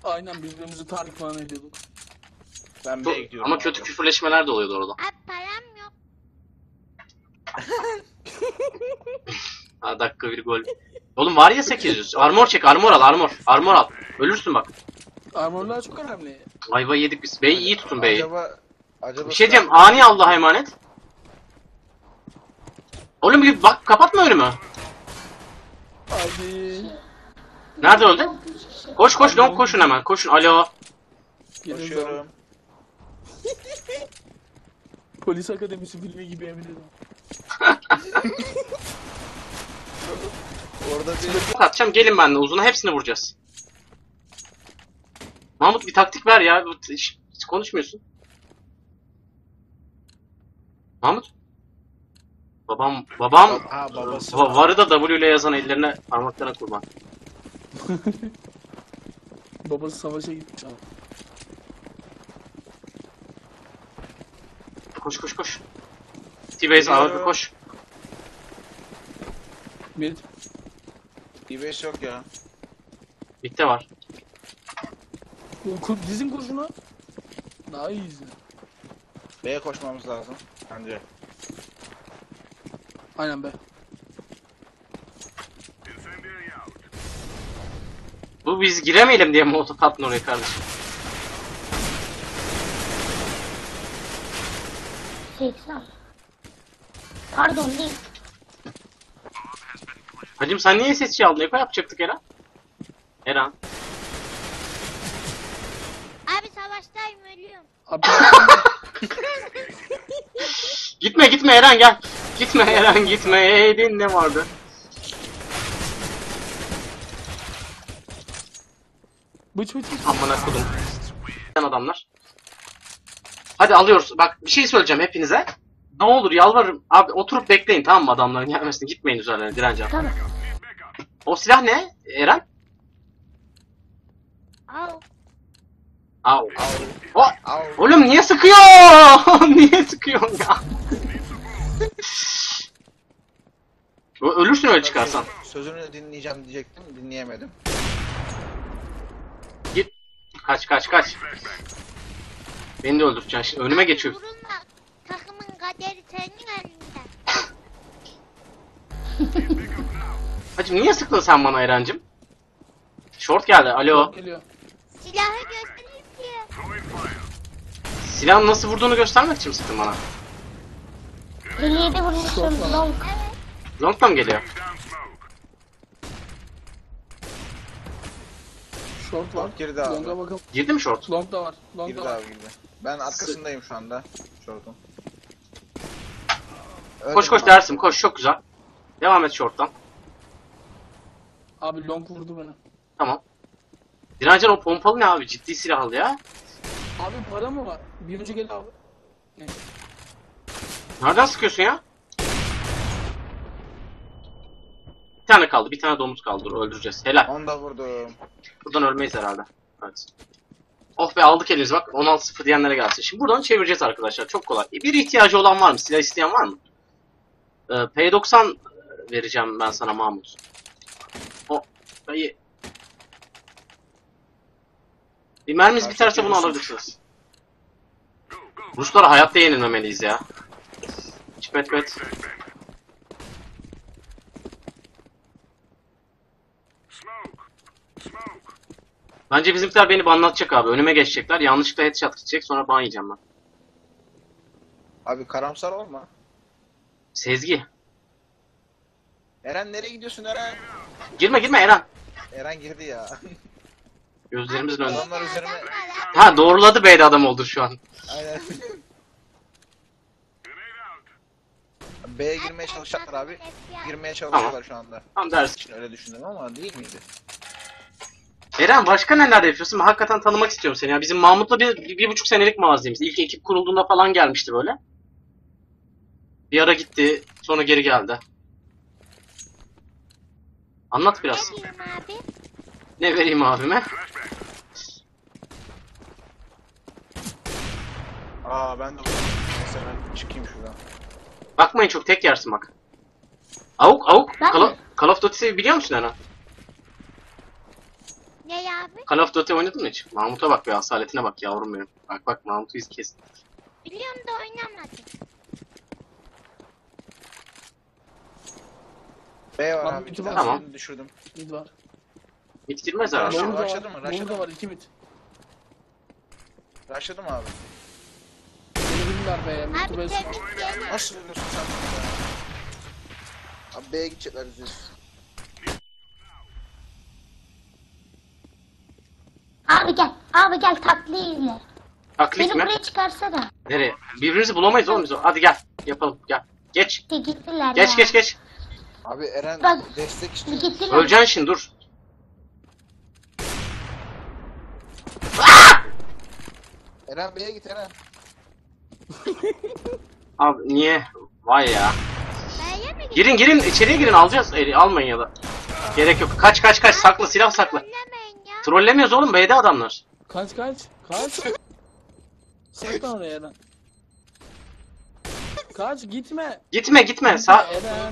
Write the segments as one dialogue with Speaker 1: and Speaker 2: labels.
Speaker 1: Aynen birbirimizi tahrik falan ediyorduk.
Speaker 2: Ben B'ye gidiyorum.
Speaker 3: Ama kötü küfürleşmeler de oluyordu orada.
Speaker 4: Abi param yok.
Speaker 3: Ha, dakika bir gol. Oğlum var ya 800. Armor çek, armor al, armor. Armor al. Ölürsün bak.
Speaker 1: Armorlar çok önemli.
Speaker 3: Ayva yedik biz. B'yi iyi tutun B'yi.
Speaker 2: Acaba
Speaker 3: Bir şey diyeceğim. Ani Allah'a emanet. Oğlum bir bak kapatma önümü.
Speaker 1: Hadi.
Speaker 3: Nerede öldü? Koş koş long koşun hemen. Koşun. Alo.
Speaker 2: koşuyorum.
Speaker 1: Polis akademisi filmi gibi emin ederim.
Speaker 2: Orada bir
Speaker 3: Bok atacağım. Gelin benimle uzuna hepsini vuracağız. Mahmut bir taktik ver ya. Hiç konuşmuyorsun. Mahmut. Babam
Speaker 2: ha, babası.
Speaker 3: varı da W ile yazan ellerine parmaklarına kurban.
Speaker 1: Babası savaşa gitmiş ama.
Speaker 3: Koş koş koş. T-Base abi koş.
Speaker 1: Mid.
Speaker 2: D5 yok ya.
Speaker 3: Bitti var.
Speaker 1: Dizin kurşunu. Daha iyiyiz.
Speaker 2: B'ye koşmamız lazım. Bence.
Speaker 1: Aynen be.
Speaker 3: Bu biz giremeyelim diye mi otokattın oraya kardeşim?
Speaker 4: 80. Pardon değil.
Speaker 3: Hacım sen niye SSC aldın? Eko yapacaktık Eren. Eren.
Speaker 4: Abi savaştayım ölüyorum.
Speaker 1: Abi,
Speaker 3: Gitme gitme Eren gel. Gitme Eren gitme. Ne vardı?
Speaker 1: bıç bıç bıç.
Speaker 3: Amına kodum. Adamlar. Hadi alıyoruz. Bak bir şey söyleyeceğim hepinize. Ne olur yalvarırım. Abi oturup bekleyin tamam mı adamların gelmesini. Gitmeyin üzerlerine direneceğim.
Speaker 4: Tamam.
Speaker 3: O silah ne Eren?
Speaker 4: Al.
Speaker 3: Au. O.
Speaker 2: Al.
Speaker 3: Oğlum niye sıkıyor? Niye sıkıyorsun ya? Ölürsün öyle çıkarsan.
Speaker 2: Sözünü dinleyeceğim diyecektim. Dinleyemedim.
Speaker 3: Git. Kaç kaç kaç. Beni de öldüreceksin şimdi. Önüme geçiyor.
Speaker 4: Vurulma. Takımın kaderi senin elinde.
Speaker 3: Hacım niye sıktın sen bana Eren'cim? Short geldi. Alo.
Speaker 1: Geliyor.
Speaker 4: Silahı göstereyim diye.
Speaker 3: Silahın nasıl vurduğunu göstermek için mi sıktın bana?
Speaker 4: 57 vurmuşum. Long. Evet.
Speaker 3: Long'da mı geliyor?
Speaker 1: Short var.
Speaker 2: Girdi abi.
Speaker 1: Long'a bakalım.
Speaker 3: Girdi mi short?
Speaker 1: Long da var. Long
Speaker 2: Girdi
Speaker 1: da var.
Speaker 2: abi girdi. Ben arkasındayım şu anda. Şortun.
Speaker 3: Koş koş dersim koş çok güzel. Devam et short'tan.
Speaker 1: Abi long vurdu beni.
Speaker 3: Tamam. Direncan o pompalı ne abi? Ciddi silahlı ya.
Speaker 1: Abi para mı var? Bir önce gel abi. Ne?
Speaker 3: Nereden sıkıyorsun ya? Bir tane kaldı. Bir tane domuz kaldı. Dur öldüreceğiz. Helal.
Speaker 2: Onu da vurdum.
Speaker 3: Buradan ölmeyiz herhalde. Evet. Oh be aldık elimizi bak. 16-0 diyenlere gelsin. Şimdi buradan çevireceğiz arkadaşlar. Çok kolay. Bir ihtiyacı olan var mı? Silah isteyen var mı? P90 vereceğim ben sana Mahmut. O. Dayı. Bir mermimiz biterse bunu alabilirsiniz. Ruslara hayatta yenilmemeliyiz ya. Çipet pet. Bence bizimkiler beni banlatacak abi. Önüme geçecekler. Yanlışlıkla headshot gidecek. Sonra ban yiyeceğim ben.
Speaker 2: Abi karamsar olma.
Speaker 3: Sezgi.
Speaker 2: Eren nereye gidiyorsun Eren?
Speaker 3: Girme girme Eren.
Speaker 2: Eren girdi ya.
Speaker 3: Gözlerimizin önünde.
Speaker 2: Adamlar üzerime...
Speaker 3: Ha doğruladı B'de adam oldu şu an.
Speaker 2: Aynen. B'ye girmeye çalışacaklar abi. Girmeye çalışıyorlar şu anda.
Speaker 3: Tam dersin.
Speaker 2: Öyle düşündüm ama değil miydi?
Speaker 3: Eren başka neler yapıyorsun? Ben hakikaten tanımak istiyorum seni ya. Bizim Mahmut'la bir buçuk senelik mazimiz. İlk ekip kurulduğunda falan gelmişti böyle. Bir ara gitti. Sonra geri geldi. Anlat biraz.
Speaker 4: Ne diyeyim abi?
Speaker 3: Ne vereyim abime?
Speaker 2: Aa ben de vurdum. Neyse ben çıkayım şuradan.
Speaker 3: Bakmayın çok tek yersin bak. Avuk avuk.
Speaker 4: Ben mi?
Speaker 3: Call of Duty'yi biliyor musun Eren?
Speaker 4: Ne abi?
Speaker 3: Call of Duty oynadın mı hiç? Mahmut'a bak ya, asaletine bak yavrum benim. Bak bak, Mahmut'u iz kes.
Speaker 4: Biliyorum da oynamadım.
Speaker 2: B var
Speaker 1: Lan
Speaker 2: abi.
Speaker 1: iki
Speaker 2: Bir
Speaker 1: var.
Speaker 2: tane
Speaker 3: Tamam.
Speaker 2: birini düşürdüm.
Speaker 1: Mid var.
Speaker 3: Hiç girmez herhalde.
Speaker 2: Başladı,
Speaker 1: Lower da
Speaker 2: başladı
Speaker 1: var.
Speaker 2: mı? Başladı
Speaker 1: Lower da
Speaker 2: mı?
Speaker 1: var 2 mid.
Speaker 2: Rushladım abi.
Speaker 1: Beni bilirler be. Mid to
Speaker 4: Abi
Speaker 1: base.
Speaker 4: tebrik ederim.
Speaker 2: Nasıl ölüyorsun sen burada ya? Abi B'ye gidecekler yüzüyoruz.
Speaker 4: Abi gel. Abi gel taklıyı izle.
Speaker 3: Taklit
Speaker 4: Beni
Speaker 3: mi?
Speaker 4: buraya çıkarsana.
Speaker 3: Nereye? Birbirimizi bulamayız oğlum biz. Hadi gel. Yapalım gel. Geç.
Speaker 4: İşte gittiler
Speaker 3: Geç
Speaker 4: ya.
Speaker 3: geç geç.
Speaker 2: Abi Eren
Speaker 4: Bak.
Speaker 2: destek istiyor.
Speaker 4: Gittiler.
Speaker 3: Öleceksin şimdi, dur.
Speaker 2: Eren B'ye git Eren.
Speaker 3: Abi niye? Vay ya.
Speaker 4: B'ye mi gittin?
Speaker 3: Girin girin, içeriye girin, alacağız. Almayın ya da. Gerek yok. Kaç kaç kaç, sakla, silah sakla.
Speaker 4: Trollemeyin ya.
Speaker 3: Trollemiyoruz oğlum, B'de adamlar.
Speaker 1: Kaç kaç. Kaç. Saklan oraya Eren. Kaç gitme.
Speaker 3: Gitme gitme. Sağ.
Speaker 1: Eren.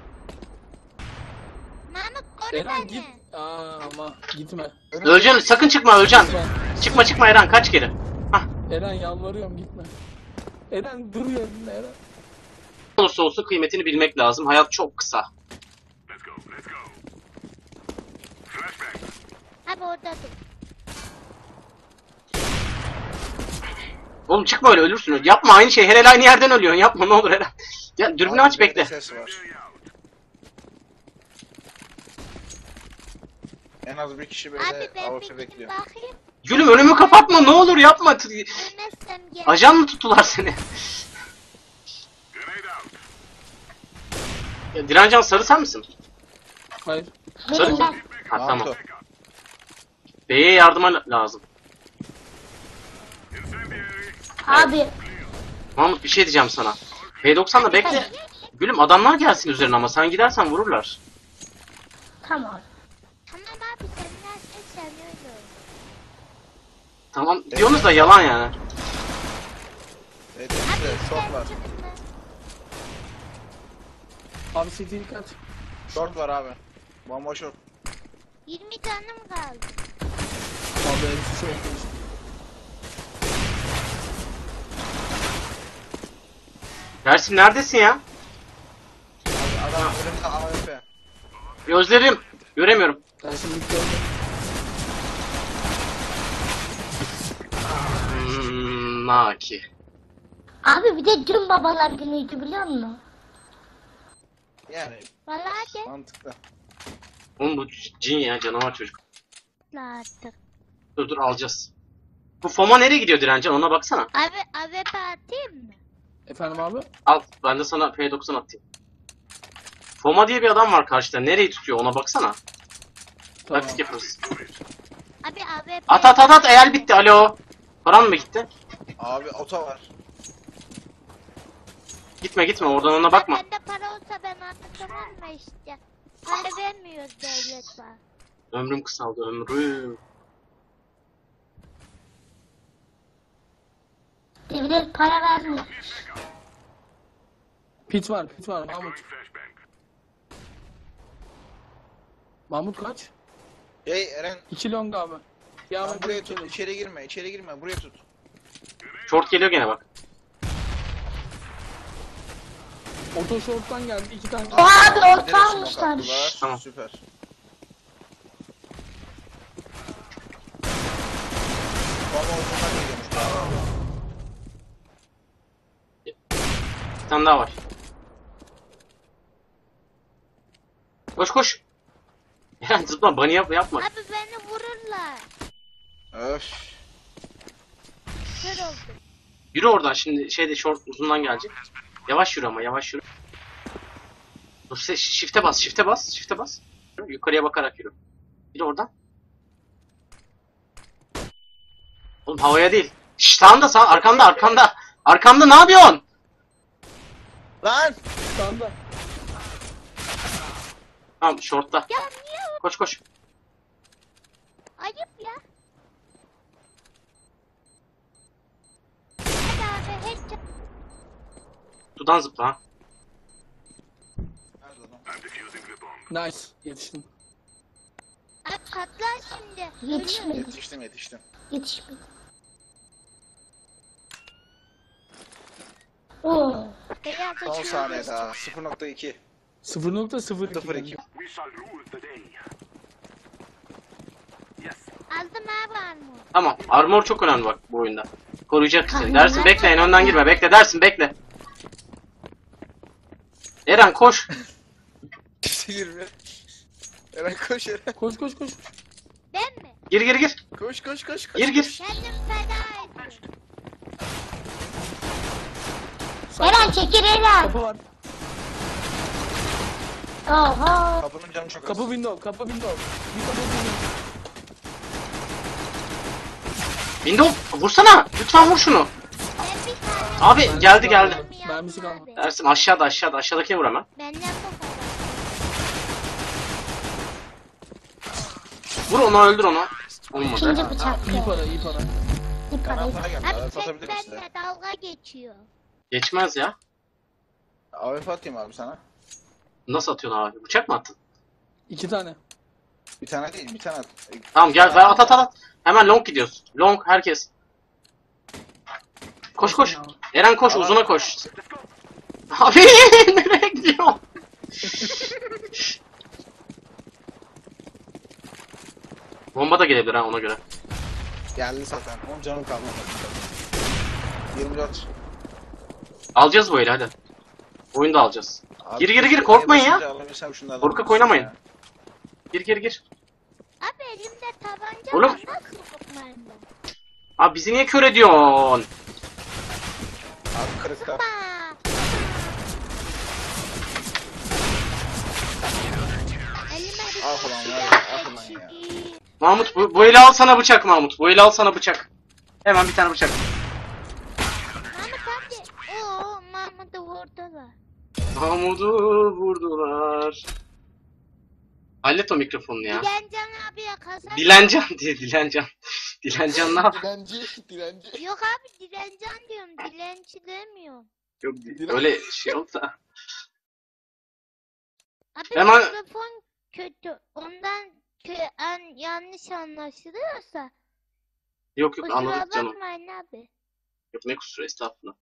Speaker 4: Mahmut koru
Speaker 1: Eren
Speaker 4: beni.
Speaker 1: git. Aa, ama gitme.
Speaker 3: Öleceksin, sakın çıkma, öleceksin.
Speaker 1: Lütfen.
Speaker 3: Çıkma çıkma Eren, kaç geri. Hah.
Speaker 1: Eren yalvarıyorum gitme. Eren dur yerinde Eren.
Speaker 3: Ne olursa olsun kıymetini bilmek lazım. Hayat çok kısa.
Speaker 4: Abi orada dur.
Speaker 3: Oğlum çıkma öyle, ölürsün. Yapma aynı şey. Her el aynı yerden ölüyorsun. Yapma ne olur Eren. Ya dürbünü
Speaker 2: Abi
Speaker 3: aç,
Speaker 2: B'de
Speaker 3: bekle.
Speaker 2: ses var. En az bir kişi
Speaker 4: Abi
Speaker 2: B'de
Speaker 4: ben bir
Speaker 2: AWP
Speaker 4: gidip
Speaker 2: bekliyor.
Speaker 4: bakayım.
Speaker 3: Gülüm önümü kapatma, ne olur yapma.
Speaker 4: Ölmezsem gel.
Speaker 3: Ajan mı tuttular seni? Ya, Direncan sarı sen misin?
Speaker 1: Hayır.
Speaker 3: Sarı.
Speaker 4: Benim ben.
Speaker 3: Ha tamam.
Speaker 2: Mahmut.
Speaker 3: B'ye yardıma lazım.
Speaker 4: Abi.
Speaker 3: Mahmut bir şey diyeceğim sana. P90'da bekle. Gülüm adamlar gelsin üzerine ama sen gidersen vururlar.
Speaker 4: Tamam. Tamam abi sen nereden sen öyle ol.
Speaker 3: Tamam diyorsunuz da yalan yani.
Speaker 2: Evet işte short var.
Speaker 1: Abi CT'yi kaç.
Speaker 2: Short var abi. Bomba short.
Speaker 4: 20 canım kaldı.
Speaker 1: Abi hepsi çok iyi.
Speaker 3: Dersim neredesin ya?
Speaker 2: Abi adam önünde AWP.
Speaker 3: Gözlerim. Göremiyorum.
Speaker 1: Ben şimdi gördüm.
Speaker 3: Naki.
Speaker 4: Abi bir de dün babalar günüydü biliyor musun?
Speaker 2: Yani
Speaker 4: Vallahi de.
Speaker 2: mantıklı.
Speaker 3: Oğlum bu cin ya, canavar çocuk.
Speaker 4: Artık.
Speaker 3: Dur dur alacağız. Bu Foma nereye gidiyor Direncan, ona baksana.
Speaker 4: Abi atayım mı?
Speaker 1: Efendim abi?
Speaker 3: Al ben de sana P90 atayım. Foma diye bir adam var karşıda, nereyi tutuyor ona baksana.
Speaker 1: Tamam.
Speaker 3: Taktik yaparız.
Speaker 4: Abi
Speaker 3: At at at at, el bitti, alo. Paran mı gitti?
Speaker 2: Abi ota var.
Speaker 3: Gitme gitme oradan, ona bakma.
Speaker 4: Bende para olsa ben anlatamam mı işte. Para vermiyoruz devlet var.
Speaker 3: Ömrüm kısaldı, ömrüm.
Speaker 4: Devlet para vermiyor.
Speaker 1: Pit var Mahmut. Mahmut kaç?
Speaker 2: Hey Eren
Speaker 1: 2 long abi. Ya
Speaker 2: sen
Speaker 1: ben
Speaker 2: buraya tut. İçeri girme. İçeri girme. Buraya tut.
Speaker 3: Short geliyor gene bak.
Speaker 1: Oto short'tan geldi 2 tane.
Speaker 4: Abi
Speaker 2: Direkt
Speaker 4: orta
Speaker 2: smoke
Speaker 4: almışlar.
Speaker 2: attılar.
Speaker 3: Tamam.
Speaker 2: Süper. Bomba ucundan geliyormuş.
Speaker 3: Bir tane daha var. Koş koş. Yani zıpla, bunny yapma.
Speaker 4: Abi beni vururlar.
Speaker 2: Öf.
Speaker 4: Kör oldum.
Speaker 3: Yürü oradan şimdi, şeyde short uzundan gelecek. Yavaş yürü ama, yavaş yürü. Dur shift'e bas, shift'e bas, shift'e bas. Yukarıya bakarak yürü. Yürü oradan. Oğlum havaya değil. Şşş sağında, sağ arkanda arkanda. Arkamda ne yapıyorsun?
Speaker 2: Lan!
Speaker 1: Standa.
Speaker 3: Tamam short'ta.
Speaker 4: Ya niye o?
Speaker 3: Koş koş.
Speaker 4: Ayıp ya. Hadi abi hiç.
Speaker 3: Dudan zıpla ha.
Speaker 2: Nerede adam?
Speaker 1: Nice. Yetiştim.
Speaker 4: Abi patlar şimdi.
Speaker 5: Yetişmedi.
Speaker 2: Yetiştim.
Speaker 5: Yetişmedi. Oo.
Speaker 4: Beyaz
Speaker 2: 10
Speaker 4: uçağı
Speaker 2: saniye
Speaker 4: geçti.
Speaker 2: daha. 0.2.
Speaker 1: 0.02.
Speaker 2: 0.2.
Speaker 4: Aldım abi armor.
Speaker 3: Tamam. Armor çok önemli bak bu oyunda. Koruyacak seni.
Speaker 5: Tamam.
Speaker 3: Dersin bekleyin önden girme. Bekle dersin bekle. Eren koş.
Speaker 2: Kimse girmiyor. Eren koş Eren.
Speaker 1: Koş koş koş.
Speaker 4: Ben mi?
Speaker 3: Gir gir gir.
Speaker 2: Koş.
Speaker 3: Gir.
Speaker 4: Kendim feda ediyorum.
Speaker 5: Eren çekil Eren.
Speaker 1: Kapı var.
Speaker 5: Oha.
Speaker 2: Kapının canı çok az.
Speaker 1: Kapı window. Kapı window. Bir kapı window.
Speaker 3: Window vursana. Lütfen vur şunu.
Speaker 4: Ben bir tane
Speaker 3: Abi geldi.
Speaker 1: Mermisi kalmadı.
Speaker 4: abi.
Speaker 3: Dersin aşağıda. Aşağıdakini vur hemen.
Speaker 4: Benden bu kadar.
Speaker 3: Vur onu öldür onu. Olmadı.
Speaker 5: İkinci bıçak.
Speaker 1: İyi para iyi para.
Speaker 5: İyi para.
Speaker 2: Kanatlara geldi.
Speaker 4: Abi
Speaker 2: AWP
Speaker 4: sen
Speaker 2: atabilirim size.
Speaker 4: benimle dalga geçiyor.
Speaker 3: Geçmez ya.
Speaker 2: AWP atayım abi sana.
Speaker 3: Nasıl atıyorsun abi? Bıçak mı attın?
Speaker 1: 2 tane.
Speaker 2: Bir tane değil, bir tane at.
Speaker 3: Tamam gel ver at. Hemen long gidiyoruz. Long herkes. Koş. Eren koş
Speaker 2: Tamam.
Speaker 3: uzuna koş. Abi nereye gidiyor? Bomba da gelebilir ha ona göre.
Speaker 2: Geldi zaten. 10 canım kalmadı. 24.
Speaker 3: Alacağız bu eli hadi. Oyunu da alacağız.
Speaker 2: Abi,
Speaker 3: Gir, korkmayın ya.
Speaker 2: basınca alabilsem şunlardan
Speaker 3: Korkak
Speaker 2: birisi
Speaker 3: oynamayın.
Speaker 2: ya.
Speaker 3: Gir.
Speaker 4: Abi elimde tabanca
Speaker 3: Oğlum.
Speaker 4: var. Nasıl korkmayayım ben?
Speaker 3: Abi bizi niye kör ediyorsun?
Speaker 2: Abi kırıkta.
Speaker 4: Ba. Elime bir
Speaker 2: Ah ulan
Speaker 4: şey
Speaker 2: var ya,
Speaker 4: daha
Speaker 2: ah ulan ya.
Speaker 4: geçti.
Speaker 3: Mahmut bu eli al sana bıçak Mahmut. Bu eli al sana bıçak. Hemen bir tane bıçak.
Speaker 4: Mahmut abi. Oo Mahmut'u vurdular.
Speaker 3: Mahmut'u vurdular. Hallet o mikrofonunu ya.
Speaker 4: Dilencan abiye kazan.
Speaker 3: Dilencan diye Dilencan. Dilencan ne yapıyor?
Speaker 2: Dilenci.
Speaker 4: Yok abi dilencan diyorum. Dilenci demiyorum.
Speaker 3: Yok öyle şey oldu da.
Speaker 4: Abi
Speaker 3: Hemen-
Speaker 4: mikrofon kötü. Ondan yanlış anlaşılıyorsa
Speaker 3: Yok
Speaker 4: kusura
Speaker 3: anladık canım.
Speaker 4: bakmayın abi.
Speaker 3: Yok ne kusuru estağfurullah.